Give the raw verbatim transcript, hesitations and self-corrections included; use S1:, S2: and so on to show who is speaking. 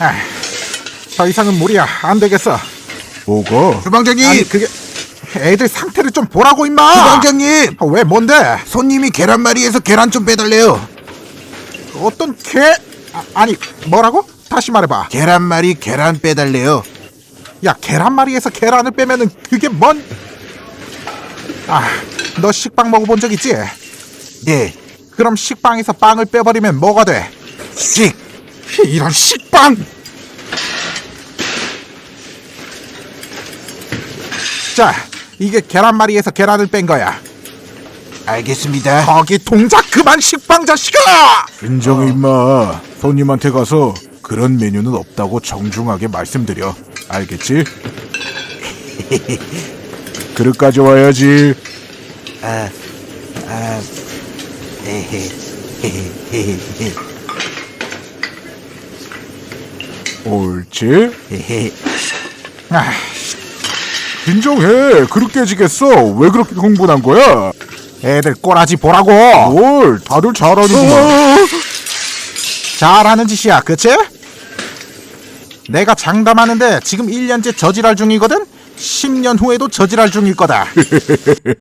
S1: 아, 더 이상은 무리야. 안 되겠어.
S2: 뭐가?
S3: 주방장님!
S1: 아니 그게 애들 상태를 좀 보라고 임마.
S3: 주방장님!
S1: 아, 왜 뭔데?
S3: 손님이 계란말이에서 계란 좀 빼달래요.
S1: 어떤 개? 아, 아니 뭐라고? 다시 말해봐.
S3: 계란말이 계란 빼달래요.
S1: 야 계란말이에서 계란을 빼면은 그게 뭔? 아, 너 식빵 먹어본 적 있지?
S3: 네.
S1: 그럼 식빵에서 빵을 빼버리면 뭐가 돼?
S3: 씩!
S1: 이런 식빵! 자, 이게 계란말이에서 계란을 뺀 거야.
S3: 알겠습니다.
S1: 거기 동작 그만 식빵 자식아!
S2: 인정해 임마. 손님한테 가서 그런 메뉴는 없다고 정중하게 말씀드려. 알겠지? 그릇 가져와야지.
S3: 아, 아, 헤헤, 헤헤,
S2: 옳지?
S3: 헤헤.
S1: 아,
S2: 인정해. 그릇 깨지겠어. 왜 그렇게 흥분한 거야?
S1: 애들 꼬라지 보라고!
S2: 뭘 다들 잘하는구만.
S1: 잘하는 짓이야, 그치? 내가 장담하는데 지금 일 년째 저지랄 중이거든? 십 년 후에도 저지랄 중일 거다.